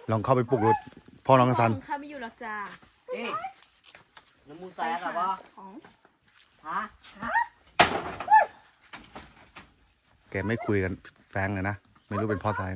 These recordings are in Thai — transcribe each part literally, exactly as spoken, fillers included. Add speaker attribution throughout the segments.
Speaker 1: ลองเข้าไปปลุกรถพ่อน้องซัน
Speaker 2: ข้าไม่อยู่หรอกจ้า
Speaker 3: เอ๊ะน้ำมูแซ่หรอวะของฮะ
Speaker 1: แกไม่คุยกันแฟงเลยนะไม่รู้เป็นพ่อสาย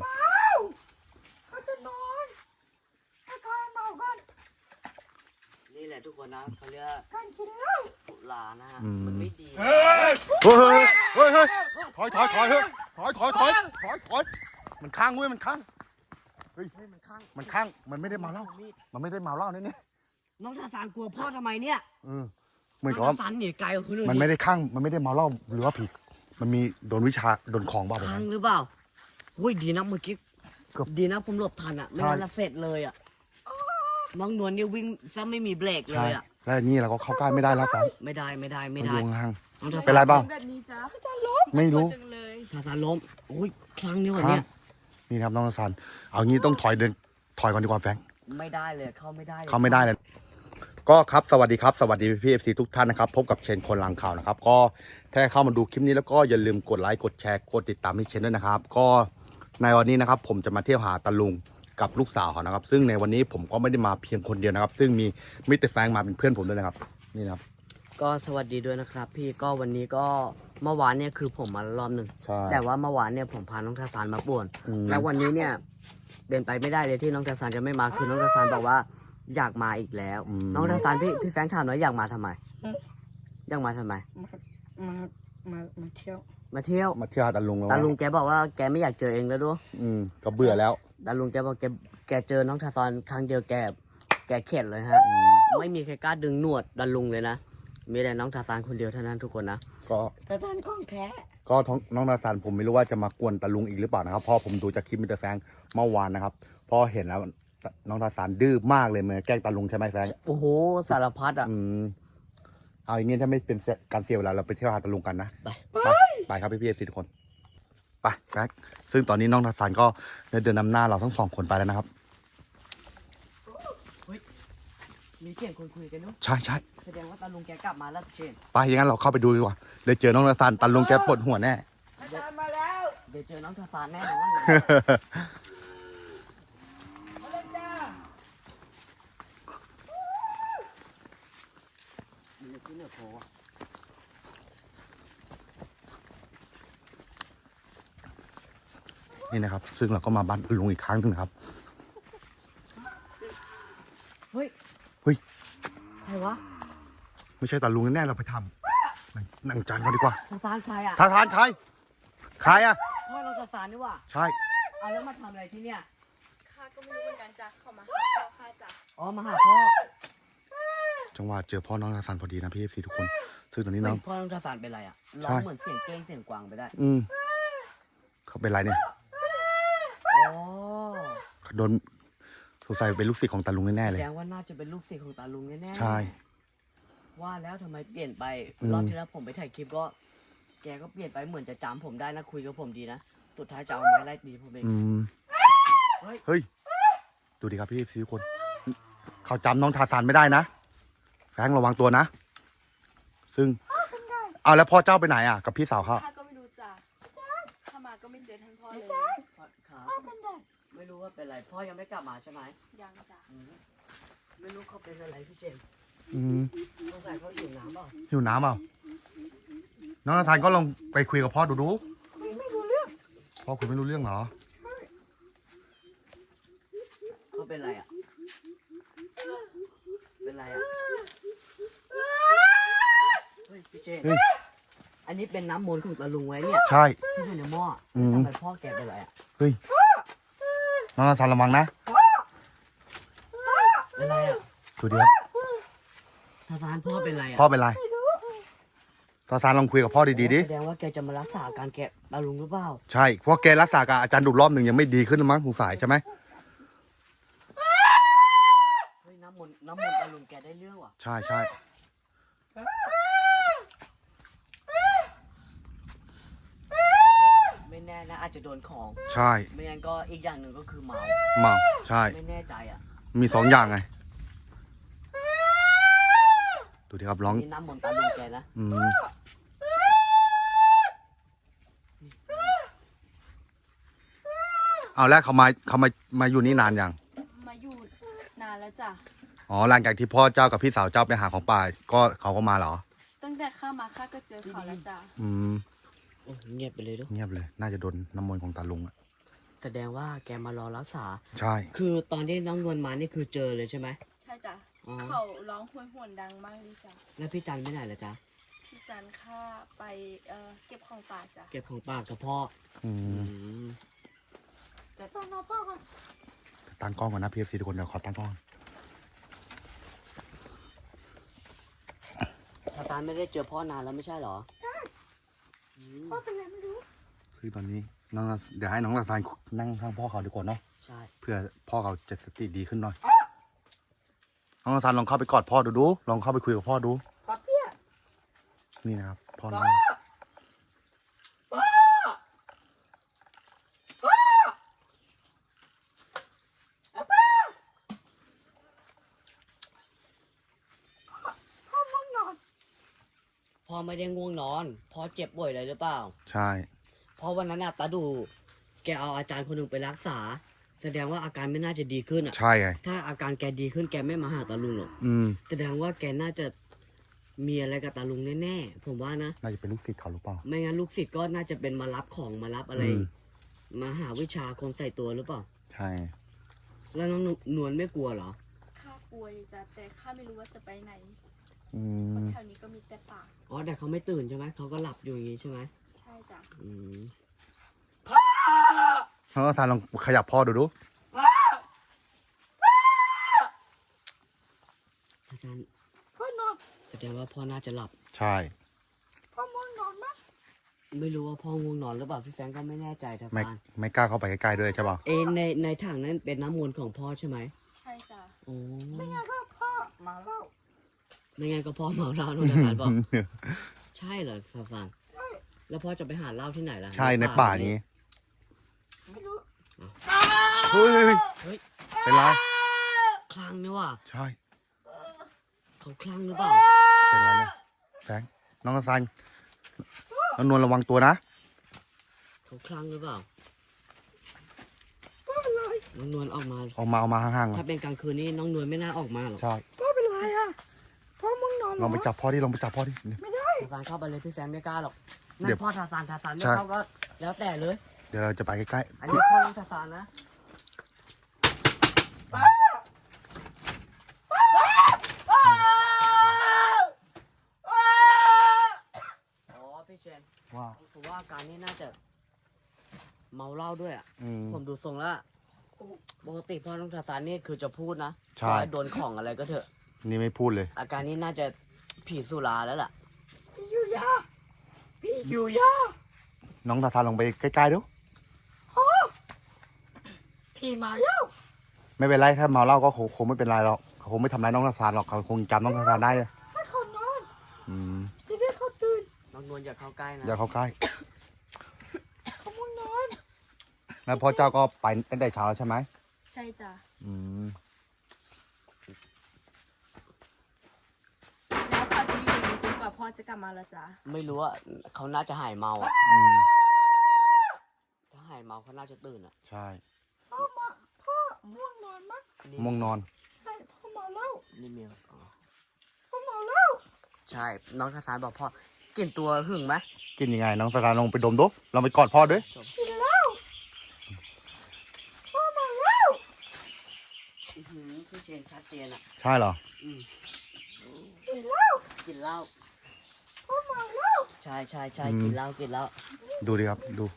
Speaker 3: นี่แหละทุกคนนะเขาเรียกการกินเหล้าสุรานะฮะมันไม่ดี
Speaker 1: เฮ้ยเฮ้ยเฮ้ยเฮ้ยถอยถอยถอยเฮ้ยถอยถอยถอยถอยถอยมันข้างเว้ยมันข้างเฮ้ยมันข้างมันข้างมันไม่ได้มาเล่ามันไม่ได้มาเล่าเนี่ยนี่
Speaker 3: น้องทาสานกลัวพ่อทำไมเนี่ย
Speaker 1: เออเหมือนกับ
Speaker 3: ว่าทาสานหนีไกลกว่าคนอื่น
Speaker 1: มันไม่ได้ข้างมันไม่ได้มาเล่าหรือว่าผิดมันมีโดนวิชาโดนของบ้า
Speaker 3: ข้างหรือเปล่าโอ้ยดีนะเมื่อกี้ดีนะผมหลบทันอ่ะไม่งั้นละเสร็จเลยอ่ะน้องนวลเนี่ยวิ่งซะไม่มีเบรกเลยอ่ะ
Speaker 1: แล้วนี่เราก็เข้าใกล้ไม่ได้แล้วสัน
Speaker 3: ไม่ได้ไม่ได้ไม่ได้
Speaker 1: ลงห่าง
Speaker 3: เป็
Speaker 1: นไรบ้าง
Speaker 2: แบบนี้จ้า
Speaker 1: ไม่รู้
Speaker 3: ทาสานล้มโอ้ยครั้งนี้วันนี้
Speaker 1: นี่ครับน้องทาสานเอางี้ต้องถอยเดินถอยก่อนดีกว่าแฟง
Speaker 3: ไม่ได้เลยเข้าไม่ได้
Speaker 1: เข้าไม่ได้เลยก็ครับสวัสดีครับสวัสดีพี่เอฟซีทุกท่านนะครับพบกับเชนคนลังข่าวนะครับก็ถ้าเข้ามาดูคลิปนี้แล้วก็อย่าลืมกดไลค์กดแชร์กดติดตามที่เชนด้วยนะครับก็ในวันนี้นะครับผมจะมาเที่ยวหาตาลุงกับลูกสาวเขานะครับซึ่งในวันนี้ผมก็ไม่ได้มาเพียงคนเดียวนะครับซึ่งมีมิสเตอร์แฟงมาเป็นเพื่อนผมด้วยนะครับนี่นะครับ
Speaker 3: ก็สวัสดีด้วยนะครับพี่ก็วันนี้ก็เมื่อวานเนี่ยคือผมมารอบหนึ่งแต่ว่าเมื่อวานเนี่ยผมพาน้องทาสานมาป่วนแล้ววันนี้เนี่ยเป็นไปไม่ได้เลยที่น้องทาสานจะไม่มาคือน้องทาสานบอกว่าอยากมาอีกแล้วน้องทาสานพี่พี่แฟงถามหน่อยอยากมาทำไมอยากมาทำไม
Speaker 4: มามามาเที่ยว
Speaker 3: มาเที่ยว
Speaker 1: มาเที่ยวตาลุงแล้ว
Speaker 3: ตาลุงแกบอกว่าแกไม่อยากเจอเองแล้วด้วย
Speaker 1: อืมก็เบื่อแล้ว
Speaker 3: ตาลุงแกบอกแกแกเจอน้องทาสานครั้งเดียวแกแกเข็ดเลยฮะไม่มีใครกล้าดึงหนวดตาลุงเลยนะมีแต่น้องทาสานคนเดียวเท่านั้นทุกคนนะ
Speaker 1: ก็
Speaker 4: ทาสานของแท้
Speaker 1: ก็น้องทาสานผมไม่รู้ว่าจะมากวนตาลุงอีกหรือเปล่านะครับเพราะผมดูจากคลิปมิสเตอร์แฟงเมื่อวานนะครับพอเห็นแล้วน้องทาสานดื้อมากเลยเหมือนแกล้งตาลุงใช่ไหมแฟง
Speaker 3: โอ้โหสารพัดอ่ะ
Speaker 1: เอาอย่างงี้ถ้าไม่เป็นการเสียเวลาเราไปเที่ยวหาตาลุงกันนะ
Speaker 3: ไป
Speaker 1: ไปไปครับพี่พี่เอฟซีทุกคนไปแฟงซึ่งตอนนี้น้องทาสานก็เดินนำหน้าเราทั้งสองคนไปแล้วนะครับ
Speaker 3: มีเสียงคนคุยกันเนาะ
Speaker 1: ใช่ใช่
Speaker 3: แสดงว่าตาลุงแกกลับมาแล้วเชน
Speaker 1: ไปอย่างนั้นเราเข้าไปดูดีกว่าเดี๋ยวเจอน้องทาสานตาลุงแกปวดหัวแน่
Speaker 4: ทาสานมาแล้ว
Speaker 3: เดี๋ยวเจอน้องทาสานแน่นอน
Speaker 1: นี่นะครับซึ่งเราก็มาบ้านลุงอีกครั้งหนึ่งครับ
Speaker 3: เฮ้ย
Speaker 1: เฮ้ย
Speaker 3: ใครวะ
Speaker 1: ไม่ใช่ตาลุงแน่เราไปทำนั่งจานกันดีกว่า
Speaker 3: ทาสานใครอ่ะ
Speaker 1: ทาสานใครใครอ่ะ
Speaker 3: พ่อเราทาสานนี่ว่ะ
Speaker 1: ใช่
Speaker 3: เอาแล้วมาทำอะไรที่เนี่ย
Speaker 2: ข้าก็ไม่รู้เหมือนกันจ้ะเขามาหาพ่อข้าจ้ะ
Speaker 3: อ๋อมาหาพ่อ
Speaker 1: จังหวะเจอพ่อน้องทาสานพอดีนะพี่เอฟซีทุกคนซึ่งตอนนี้น้อง
Speaker 3: พ่อน้องทาสานเป็นไรอ่ะร้องเหมือนเสียงเก้งเสียงกวางไปได้
Speaker 1: อืมเขาเป็นไรเนี่ย
Speaker 3: อ๋อ
Speaker 1: โดนสงสัยเป็นลูกศิษย์ของตาลุงแน่ๆเลย
Speaker 3: แสดงว่าน่าจะเป็นลูกศิษย์ของตาลุงแน่ๆ
Speaker 1: ใช่
Speaker 3: ว่าแล้วทำไมเปลี่ยนไปรอบที่แล้วผมไปถ่ายคลิปก็แกก็เปลี่ยนไปเหมือนจะจำผมได้นะคุยกับผมดีนะสุดท้ายจะเอาไม้ไล่ตีผมเอง
Speaker 1: เฮ้ยดูดิครับพี่ซีคนเขาจำน้องทาสานไม่ได้นะแฟงระวังตัวนะซึ่งเอาแล้วพ่อเจ้าไปไหนอ่ะกับพี่สาวเขา
Speaker 2: ข้าก็ไม่รู้จ้ะข้ามาก็ไม่เจอท่านพ่อเลย
Speaker 3: ครับไม่รู้ว่าเป็นไรพ่อยังไม่กลับมาใช่ไหม
Speaker 2: ยังจ้ะ
Speaker 3: ไม่รู้เขาเป็นอะไรพี่เจม
Speaker 1: อืม
Speaker 3: สงสัยเขาหิวน้ำเปล่า
Speaker 1: หิวน้ำเปล่าน้องทาสานก็ลองไปคุยกับพ่อดูดู
Speaker 4: ไม่รู้เรื่อง
Speaker 1: พ่อคุณไม่รู้เรื่องเหรอ
Speaker 3: เขาเป็นไรอ่ะเป็นไรอ่ะเฮ้ยพี่เจมอันนี้เป็นน้ำมนต์ของตาลุงไว้เนี่ย
Speaker 1: ใช่
Speaker 3: ที่อยู่ในหม้อทำไมพ่อแกเป็นไรอ่ะ
Speaker 1: เฮ้ยน้องทาสานระวังนะ
Speaker 3: เป็นไรอ่ะ
Speaker 1: ดูดิครับ
Speaker 3: ทาสานพ่อเป็นไรอ่ะ
Speaker 1: พ่อเป็นไรทาสานลองคุยกับพ่อดีๆดิ
Speaker 3: แสดงว่าแกจะมารักษาการแกะตาลุงหรือเปล่า
Speaker 1: ใช่เพราะแกรักษากับอาจารย์ดุรอบหนึ่งยังไม่ดีขึ้นมั้งสงสัยใช่ไหม
Speaker 3: เฮ้ยน้ำมนต์น้ำมนต์ตาลุงแกได้เรื่องว่ะ
Speaker 1: ใช่ใช่
Speaker 3: ไม่แน่นะอาจจะโดนของ
Speaker 1: ใช่
Speaker 3: ไม่งั้นก็อีกอย่างหนึ่งก็คือเมา
Speaker 1: เมาใช่
Speaker 3: ไม่แน่ใจอ่ะ
Speaker 1: มีสองอย่างไงดูดิครับร้อง
Speaker 3: นี่น้ำมนต์ตาลุงแกนะ
Speaker 1: อืมเอาแล้วเขามาเขามามาอยู่นี่นานยัง
Speaker 2: จ้ะ
Speaker 1: อ๋อหลังจากที่พ่อเจ้ากับพี่สาวเจ้าไปหาของป่าก็เขาก็มาเหรอ
Speaker 2: ตั้งแต่ข้ามาข้าก็เจอเขาแล้วจ้ะ
Speaker 1: อืม
Speaker 3: โอ้เงียบไปเลยด้วย
Speaker 1: เงียบเลย น่าจะโดนน้ำมนต์ของตาลุงอะ
Speaker 3: แสดงว่าแกมารอรักษา
Speaker 1: ใช่
Speaker 3: คือตอนที่น้องนวลมานี่คือเจอเลยใช่ไหม
Speaker 2: ใช่จ้ะ
Speaker 3: อ๋อ
Speaker 2: เขาร้องหวยหวนดังมากเลยจ้ะ
Speaker 3: แล้วพี่จันไปไหนล่ะจ๊ะ
Speaker 2: พี่จันข้าไปเอ่อเก็บของป่าจ้ะ
Speaker 3: เก็บของปากกับพ่อ
Speaker 1: อื
Speaker 3: อื
Speaker 1: ม
Speaker 3: ม
Speaker 4: จะต้องรอพ่อก่อน
Speaker 1: ตั้งกล้องก่อนนะพีเอฟซีทุกคนเดี๋ยวขอตั้งกล้องก่อน
Speaker 3: ทาซานไม่ได้เจอพ่อนานแล้วไม่ใช่เหรออืม
Speaker 4: พ่อเป็นอะไรไม่รู้
Speaker 1: คือตอนนี้น้องเดี๋ยวให้น้องตาซานนั่งข้างพ่อเขาดีกว่าเนาะ
Speaker 3: ใช่
Speaker 1: เพื่อพ่อเขาจะสติดีขึ้นหน่อย น้องตาซานลองเข้าไปกอดพ่อดูดู ลองเข้าไปคุยกับพ่อดู
Speaker 4: ป๊าเปี้ย
Speaker 1: นี่นะครับพ่อน้อง
Speaker 4: พ่อม่วงนอน
Speaker 3: พ่อไม่ได้ง่วงนอนพ่อเจ็บป่วยเลยหรือเปล่า
Speaker 1: ใช่
Speaker 3: เพราะวันนั้นน่ะตาดู แกเอาอาจารย์คนหนึ่งไปรักษา แสดงว่าอาการไม่น่าจะดีขึ้นอ่ะ
Speaker 1: ใช่ไง
Speaker 3: ถ้าอาการแกดีขึ้นแกไม่มาหาตาลุงหรอก
Speaker 1: อืม
Speaker 3: แสดงว่าแกน่าจะมีอะไรกับตาลุงแน่ๆ ผมว่านะ
Speaker 1: น่าจะเป็นลูกศิษย์เขาหรือเปล่า
Speaker 3: ไม่งั้นลูกศิษย์ก็น่าจะเป็นมารับของมารับอะไร
Speaker 1: อืม
Speaker 3: มาหาวิชาคนใส่ตัวหรือเปล่า
Speaker 1: ใช่
Speaker 3: แล้วน้องนวลไม่กลัวเหรอ
Speaker 2: ข้ากลัวอยู่จ้ะแต่ข้าไม่รู้ว่าจะไปไหน
Speaker 1: อื
Speaker 2: เพราะ
Speaker 1: ม
Speaker 2: แถวนี้ก็มีแต่ป่า
Speaker 3: อ๋อแต่เขาไม่ตื่นใช่ไหม เขาก็หลับอยู่อย่างนี้ใช่ไหม
Speaker 2: ใช่จ้ะ
Speaker 3: อืม
Speaker 1: น้องตาซานลองขยับพ่อดูดู
Speaker 3: อาจารย์
Speaker 4: พ่อนอน
Speaker 3: แสดงว่าพ่อน่าจะหลับ
Speaker 1: ใช่
Speaker 4: พ่อม่วงนอนมั้ย
Speaker 3: ไม่รู้ว่าพ่อง่วงนอนหรือเปล่าพี่แฟรงก์ก็ไม่แน่ใจทั
Speaker 1: ไม่
Speaker 3: ฟาน
Speaker 1: ไม่กล้าเข้าไปใกล้ๆด้วยใช่ป่ะ
Speaker 3: เอยในในถังนั้นเป็นน้ำมนต์ของพ่อใช่ไหม
Speaker 2: ใช่จ้ะ
Speaker 3: โอ้
Speaker 4: ไม่งั้นก็พ่อมาเล่า
Speaker 3: ไม่งั้นก็พ่อเมาเหล้าโน่นทฟานบอก ใช่เหรอทัฟาน
Speaker 4: ใช่
Speaker 3: แล้วพ่อจะไปหาเหล้าที่ไหนล่ะ
Speaker 1: ใช่ในป่านี้
Speaker 4: ไม่รู้
Speaker 1: เฮ้ย
Speaker 3: เฮ้ย
Speaker 1: เป็นไร
Speaker 3: คลั่งนี่ว่ะ
Speaker 1: ใช่
Speaker 3: เขาคลั่งหรือเปล่า
Speaker 1: เป็นไรเนี่ยแฟงน้องตาซานน้องนวลระวังตัวนะ
Speaker 3: เขาคลั่งหรือเปล่า
Speaker 4: พ่อเป็นไร
Speaker 3: น้องนวลออกมา
Speaker 1: ออกมาออกมาห่างๆก่อ
Speaker 3: ถ้าน เป็นกลางคืนนี่น้องนวลไม่น่าออกมาหรอก
Speaker 1: ใช่
Speaker 4: พ่อเป็นไรอ่ะพ่อม่วงนอนเหร
Speaker 1: ลองไปจับพ่อดิลองไปจับพ่อดิ
Speaker 4: ไม่ได้
Speaker 3: ทาซานเข้าไปเลยพี่แฟรงก์ไม่กล้าหรอกนั่
Speaker 1: เดี๋ย
Speaker 3: น
Speaker 1: ว
Speaker 3: พ่อทาซานทาซานไม่
Speaker 1: ใช่
Speaker 3: เข้าก็แล้วแต่เลย
Speaker 1: เดี๋ยวเราจะไปใกล้
Speaker 3: อันนี้พ่อน้องทาซานนะ อ๋อพี่เชน
Speaker 1: ๆว่า
Speaker 3: ผมว่าอาการนี้น่าจะ เมาเหล้าด้วยอ่ะ
Speaker 1: อืม
Speaker 3: ผมดูทรงแล้วอะปกติพ่อน้องทาซานนี่คือจะพูดนะ
Speaker 1: ใช่
Speaker 3: ว่าโดนของอะไรก็เถอะ
Speaker 1: นี่ไม่พูดเลย
Speaker 3: อาการนี้น่าจะผีสุราแล้วล่ะ
Speaker 4: พี่อยู่ยาพี่อยู่ยา
Speaker 1: น้องตาซานลองไปใกล้ๆดู
Speaker 4: พี่มาแล้ว
Speaker 1: ไม่เป็นไรถ้าเมาเหล้าก็คงคงไม่เป็นไรหรอกเขาคงไม่ทำร้ายน้องตาซานหรอกเขาคงจำน้องตาซานได้เลย
Speaker 4: ให้เขานอน
Speaker 1: อืม
Speaker 4: จะได้เขาตื่น
Speaker 3: น้องนวลอย่าเข้าใกล้นะ
Speaker 1: อย่าเข้าใกล้
Speaker 4: เขาม่วงนอน
Speaker 1: แล้วพ่อเจ้าก็ไปตั้งแต่เช้าแล้วใช่ไหม
Speaker 2: ใช่จ้ะ
Speaker 1: อืม
Speaker 2: แล้วเขาจะอยู่อย่างนี้จนกว่าพ่อจะกลับมาแล้วจ้ะ
Speaker 3: ไม่รู้ว่าเขาน่าจะหายเมาอ่ะ
Speaker 1: อืม
Speaker 3: ถ้าหายเมาเขาน่าจะตื่นอ่ะ
Speaker 1: ใช่
Speaker 4: พ่อมาพ่อม่วงนอนมั้ย
Speaker 1: ม่วงนอน
Speaker 4: ใช่พ่อเมาเหล้า
Speaker 3: นี่เมียอ๋อ
Speaker 4: พ่อเมาเหล้า
Speaker 3: ใช่ น้องทาซานบอกพ่อกลิ่นตัวหึงไหม
Speaker 1: กินยังไง น้องตาซานลองไปดมดูลองไปกอดพ่อด้วย
Speaker 4: กินเหล้าพ่อเมาเหล้า
Speaker 3: อื้อหือพี่เชนชัดเจนอ่ะ
Speaker 1: ใช่เหรอ
Speaker 3: อืม
Speaker 4: กินเหล้า
Speaker 3: กินเหล้า
Speaker 4: พ่อเมาเหล้า
Speaker 3: ใช่ใช่ใช่
Speaker 1: อืม
Speaker 3: กินเหล้ากินเหล้า
Speaker 1: ดูดิครับดู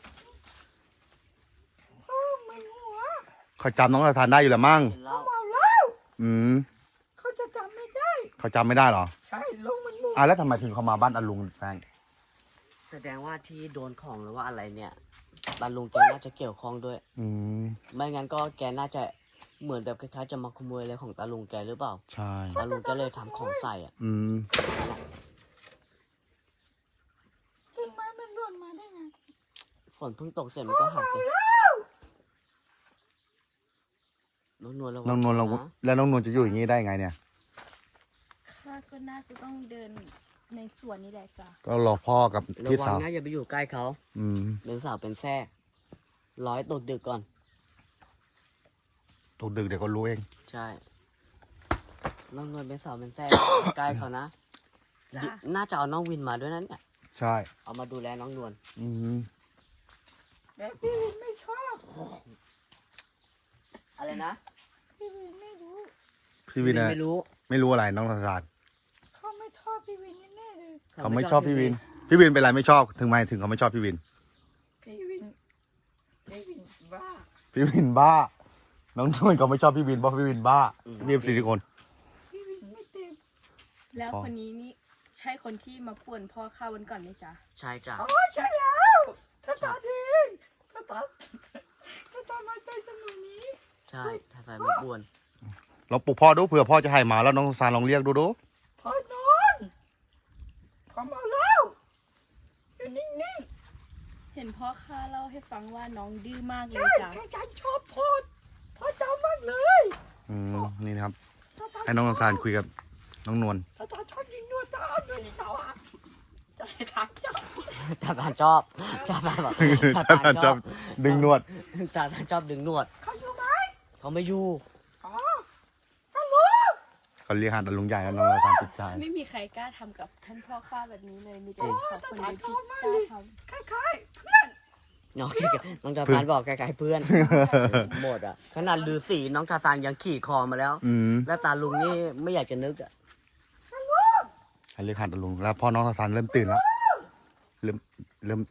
Speaker 4: พ่อมึนหัว
Speaker 1: เขาจำน้องตาซานได้อยู่แหละมั้ง
Speaker 3: กินเหล้า
Speaker 4: เมาเหล้า
Speaker 1: อืม
Speaker 4: เขาจะจำไม่ได้
Speaker 1: เขาจำไม่ได้เหรอ
Speaker 4: ใช่ลงมันมัว
Speaker 1: อ่ะแล้วทำไมถึงเขามาบ้านอาลุงแฟง
Speaker 3: แสดงว่าที่โดนของหรือว่าอะไรเนี่ยบรรลุงแกน่าจะเกี่ยวข้องด้วย
Speaker 1: อืม
Speaker 3: ไม่งั้นก็แกน่าจะเหมือนแบบคล้ายๆจะมาขโมยอะไรของตาลุงแกหรือเปล่า
Speaker 1: ใช่
Speaker 3: ตาลุงก็เลยทำของใส่อ่ะ
Speaker 1: อืม
Speaker 4: กิ่งไม้มันหล่นมาได้ไง
Speaker 3: ฝนเพิ่งตกเสร็จมันก็หักไปน้องนวลระวั
Speaker 1: น้องนวลลอง
Speaker 3: นะ
Speaker 1: แล้วน้องนวลจะอยู่อย่างนี้ได้ไงเนี่ย
Speaker 2: ข้าก็น่าจะต้องเดินในสวนนี่แหละจ้ะ
Speaker 1: ก็รอพ่อกับ
Speaker 3: ระ
Speaker 1: พี่
Speaker 3: วัง
Speaker 1: สาว
Speaker 3: นะอย่าไปอยู่ใกล้เขา
Speaker 1: อืม
Speaker 3: เป็นสาวเป็นแทรกร้อยตกดึกก่อน
Speaker 1: ตกดึกเดี๋ยวก็รู้เอง
Speaker 3: ใช่น้องนวลเป็นสาวเป็นแซ่ใกล้เขานะ
Speaker 2: จ้ะ
Speaker 3: น่าจะเอาน้องวินมาด้วยนั่นเนี่ย
Speaker 1: ใช่
Speaker 3: เอามาดูแลน้องนวล
Speaker 1: อืม
Speaker 4: แต่พี่วินไม่ชอบ
Speaker 3: อะไรนะ
Speaker 4: พี่วินไม่รู้
Speaker 1: พี่วินนะ
Speaker 3: ไม่รู้
Speaker 1: ไม่รู้อะไรน้องทศาน
Speaker 4: เขาไม่ชอบพี่วินแน่ๆเลย
Speaker 1: เขาไม่ชอบพี่วิน พี่วินเป็นไรไม่ชอบถึงไม่ถึงเขาไม่ชอบพี่วิน
Speaker 4: พี่วินพี่วินบ้า
Speaker 1: พี่วินบ้า น้องนวลเขาไม่ชอบพี่วินเพราะพี่วินบ้าพี่เอฟซีทุกคน
Speaker 4: พี่วินไม่เต็ม
Speaker 2: แล้ว
Speaker 1: พ่อ
Speaker 2: คนนี้นี่ใช่คนที่มาป่วนพ่อข้าวันก่อนไหมจ๊ะ
Speaker 3: ใช่จ้ะ
Speaker 4: อ๋อใช่แล้วถ้าตาเองถ้าตาถ้าตามาใจสนุนนี้
Speaker 3: ใช่ทาซานมาป่วน
Speaker 1: ลองปลุกพ่อดูเผื่อพ่อจะให้มาแล้วน้องทศานลองเรียกดูดู
Speaker 4: พอนอนพอเมาแล้วอยู่นิ่ง
Speaker 2: เห็นพ่อข้าเล่าให้ฟังว่าน้องดื้อมาก
Speaker 4: ๆ
Speaker 2: เล
Speaker 4: ใช่
Speaker 2: ยจ้ะ
Speaker 4: ใช่ฉันชอบพอดพอเจ้ามากเลย
Speaker 1: อืมนี่นะครับ
Speaker 4: ถ้าตา
Speaker 1: ให้น้องทศานคุยกับน้องนวล
Speaker 4: ถ้าตาชอบยิงนวดตาด้วยเขาอ่ะจะให้ทางเจ้า
Speaker 3: ทาซานชอบทาซานบอกทา
Speaker 1: ท่า
Speaker 3: ซาน
Speaker 1: น
Speaker 3: ช
Speaker 1: ช
Speaker 3: อ
Speaker 1: อ
Speaker 3: บบ
Speaker 1: ดึงนวด
Speaker 3: ทาซานชอบดึงนวด
Speaker 4: เขาอยู่ไหม
Speaker 3: เขาไม่อยู่
Speaker 4: อ๋อฮัลโหล
Speaker 1: เขาเรียกหาแต่ลุงใหญ่แล้วน้องทศานติดใจ
Speaker 2: ไม่มีใครกล้าทำกับท่านพ่อข้าแบบนี้เลยมีแต่เขาคนเดียวที่กล้าทำ
Speaker 4: คล้ายๆเพื่อน
Speaker 3: น้องน้องทาซานบอกไกลๆเพื่อน หมดอ่ะขนาดลือสีน้องทาซานยังขี่คอมาแล้ว
Speaker 1: อืม
Speaker 3: แล้วตาลุงนี่ไม่อยากจะนึกอ่ะ
Speaker 1: ให้เรียกหาแต่ลุงแล้วพ่อน้องทศานเริ่มตื่นแล้วเริ่มเริ่ม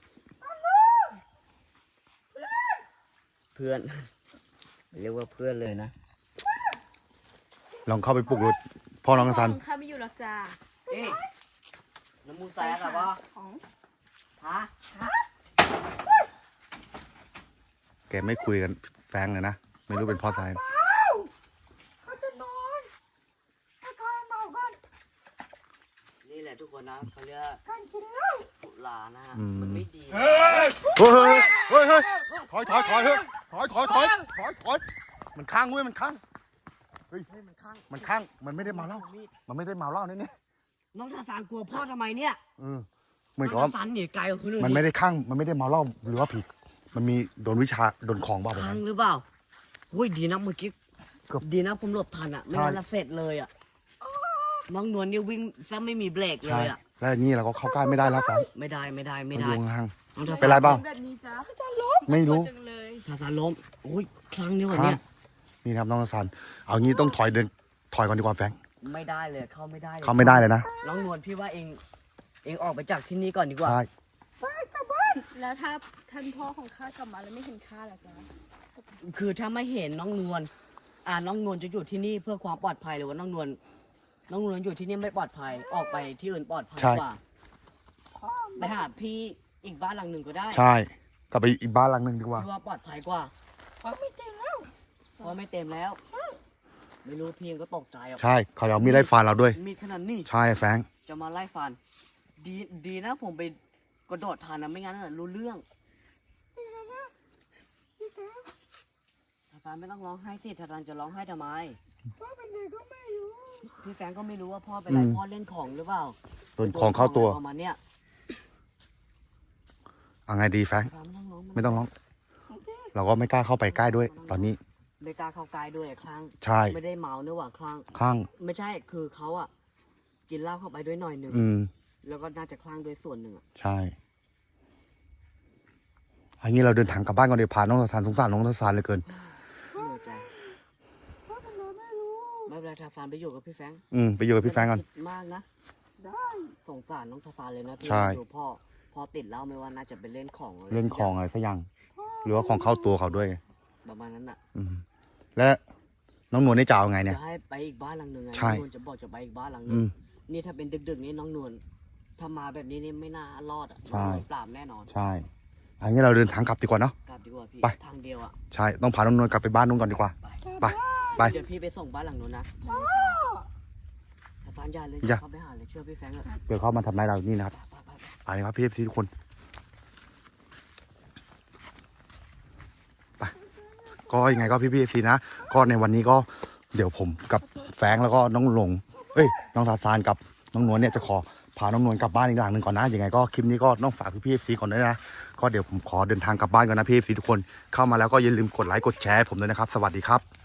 Speaker 3: เพื่อน เรียกว่าเพื่อนเลยนะ
Speaker 1: ลองเข้าไปปลุกรถพ่อน้องทศาน
Speaker 2: พ่ข้าไม่อยู่หรอกจ้ะ
Speaker 3: เอ๊ะน้ำมูแซ่หรอวะ
Speaker 2: ของ
Speaker 3: ฮะ
Speaker 1: แกไม่คุยกันแฟงเลยนะไม่รู้เป็นเพ่อสาย
Speaker 4: เขาจะนอนถ้าทายเมากัน
Speaker 3: นี่แหละทุกคนนะเขาเรียก
Speaker 4: การกินเหล้า
Speaker 3: สุรานะฮะมันไม่ดี
Speaker 1: เฮ้ยเฮ้ยเฮ้ยเฮ้ยถอยถอยถอยเฮ้ยถอยถอยถอยถอยถอยมันข้างเว้ยมันข้างเฮ้ย
Speaker 3: เฮ้ยมันข้าง
Speaker 1: มันข้างมันไม่ได้เมาเหล้า
Speaker 3: มีด
Speaker 1: มันไม่ได้เมาเหล้านี่นี่
Speaker 3: น้องทาซานกลัวพ่อทำไมเนี่ย
Speaker 1: เออเหมือนกับ
Speaker 3: น้อง
Speaker 1: ว่า
Speaker 3: ทาซานหนีไกลกว่าคนอื่น
Speaker 1: มันไม่ได้ข้างมันไม่ได้เมาเหล้าหรือว่าผิดมันมีโดนวิชาโดนของบ้าแบบ
Speaker 3: ข้าง
Speaker 1: นั้น
Speaker 3: หรือเปล่าอุ้ยดีนะเมื่อกี้
Speaker 1: เกือบ
Speaker 3: ดีนะผมหลบทันอ่ะไม่งั้นละเสร็จเลยอ่ะน้องนวลนี่วิ่งซะไม่มีเบรกเล
Speaker 1: ใช่
Speaker 3: ยอ่ะ
Speaker 1: แล้วนี่เราก็เข้าใกล้ไม่ได้แล้วสาย
Speaker 3: ไม่ได้ไม่ได้ไม่
Speaker 1: มัน
Speaker 3: ได้
Speaker 1: อยู่ห่าง
Speaker 3: น้องทา
Speaker 1: เป็น
Speaker 3: ซา
Speaker 1: ไร
Speaker 3: น
Speaker 1: เปล่า
Speaker 2: แบบนี้จ้ะ
Speaker 1: ไม่รู้
Speaker 2: จังเลย
Speaker 3: ทาซานล้มอุ้ยครั้งนี้วัน
Speaker 1: ครั
Speaker 3: เนี้
Speaker 1: บ
Speaker 3: ย
Speaker 1: นี่นะครับน้องสันเอางี้ต้องถอยเดินถอยก่อนดีกว่าแฟง
Speaker 3: ไม่ได้เลยเข้าไม่ได้ลย
Speaker 1: เขาไม่ได้เลยนะ
Speaker 3: น้องนวลพี่ว่าเองเองออกไปจากที่นี่ก่อนดีกว่า
Speaker 1: ใช่
Speaker 2: แล้วถ้าท่านพ่อของข้ากลับมาแล้วไม่เห็นข้าล่ะจ๊ะ
Speaker 3: คือถ้าไม่เห็นน้องนวลอ่าน้องนวลจะอยู่ที่นี่เพื่อความปลอดภัยหรือว่าน้องนวลน้องนวลอยู่ที่นี่ไม่ปลอดภัยออกไปที่อื่นปลอดภัยกว่าไปหาพี่อีกบ้านหลังหนึ่งก็ได้
Speaker 1: ใช่กลับไปอีกบ้านหลังหนึ่งดีกว่า
Speaker 3: ที่ว่าปลอดภัยกว่า
Speaker 4: เขาไม่เต็มแล้ว
Speaker 3: เพราะไม่เต็มแล้ว ไม่รู้พี่เองก็ตกใจอ่ะ
Speaker 1: ใช่เขาเอามีดไล่ฟันเราด้วย
Speaker 3: มีดขนาดนี้
Speaker 1: ใช่แฟง
Speaker 3: จะมาไล่ฟัน ดีดีนะผมไปกระโดดทานนะไม่งั้นน่ะรู้เรื่องทาซานไม่ต้องร้องไห้สิทาซานจะร้องไห้ทำไม
Speaker 4: พ่อเป็นเด็กก็ไม่รู้
Speaker 3: พี่แฟรงก์ก็ไม่รู้ว่าพ่อเป็นไรพ่อเล่นของหรือเปล่า
Speaker 1: โดนของเข้าตัว
Speaker 3: ประมาณเนี้ย
Speaker 1: เอาไงดีแฟง
Speaker 3: ทาซานไม่ต้องร้อง
Speaker 1: ไม่ต้องร้อง เราก็ไม่กล้าเข้าไปใกล้ด้วย ตอนนี้
Speaker 3: ไม่กล้าเข้าใกล้ด้วยครั้ง
Speaker 1: ใช่
Speaker 3: ไม่ได้เมาเนื้อหว่าครั้ง
Speaker 1: ข้าง
Speaker 3: ไม่ใช่คือเขาอ่ะ กินเหล้าเข้าไปด้วยหน่อยหนึ่ง
Speaker 1: อืม
Speaker 3: แล้วก็น่าจะคลั่งด้วยส่วนหนึ่งอ่ะ
Speaker 1: ใช่อันนี้เราเดินทางกลับบ้านก่อนเดี๋ยวพาน้องทศานสงสารน้องทศานเหลยเกิน
Speaker 3: เหนื่อยใจ
Speaker 4: พ่อเป็นเด็กไม่รู้
Speaker 3: ไม่เป็นไรทาซานไปอยู่กับพี่แฟรงค์
Speaker 1: อืมไปอยู่กับพี่แฟงก่อน
Speaker 3: ไม่ต้คิดมากนะ
Speaker 4: ได้
Speaker 3: สงสารน้องทาซานเลยนะพี่
Speaker 1: ใช่
Speaker 3: ดูพ่อพ่อติดเหล้าไม่ว่าน่าจะไปเล่นของะไร
Speaker 1: เล่นของอะไรสักอย่าง หรือว่าของเข้าตัวเขาด้วย
Speaker 3: ประมาณนั้นอ่ะ
Speaker 1: อืมและน้องนวลนี่จะเอาไงเนี่ย
Speaker 3: จะให้ไปอีกบ้านหลังหนึ่งไง
Speaker 1: ใช่
Speaker 3: น้องนวลจะบอกจะไปอีกบ้านหลังหนึ
Speaker 1: อื
Speaker 3: ง
Speaker 1: ม
Speaker 3: นี่ถ้าเป็นดึกๆนี้น้องนวลถ้ามาแบบนี้นี่ไม่น่ารอดอ่ะ
Speaker 1: ใช่
Speaker 3: โดนปราบแน่นอน
Speaker 1: ใช่อันนี้เราเดินทางกลับดีกว่าเนาะ
Speaker 3: กลับดีกว่าพี่
Speaker 1: ไป
Speaker 3: ทางเดียวอ่ะ
Speaker 1: ใช่ต้องพาน้องนวลกลับไปบ้านนู้นก่อนดีกว่า ไป ไป
Speaker 3: เดี๋ยวพี่ไปส่งบ้านหลังนู้นนะ
Speaker 4: พ่อ
Speaker 3: ทาซานอย่าเลย
Speaker 1: อย่า
Speaker 3: เข้าไปหาเลยเชื่อพี่แฟรงค์เถอะ
Speaker 1: เดี๋ยวเขามาทำร้ายเรานี่นะครับ
Speaker 3: ไปไปไป
Speaker 1: ไปครับพี่เอฟซีทุกคนไปก็ยังไงก็พี่พี่เอฟซีนะก็ในวันนี้ก็เดี๋ยวผมกับแฟรงค์แล้วก็น้องหลงเอ้ยน้องทาซานกับน้องนวลเนี่ยจะขอพาน้องนวลกลับบ้านอีกหลังหนึ่งก่อนนะยังไงก็คลิปนี้ก็ต้องฝากพี่พี่เอฟซีก่อนด้วยนะก็เดี๋ยวผมขอเดินทางกลับบ้านก่อนนะพี่เอฟซีทุกคนเข้ามาแล้วก็อย่าลืมกดไลค์กดแชร์ให้ผมด้วยนะครับสวัสดีครับ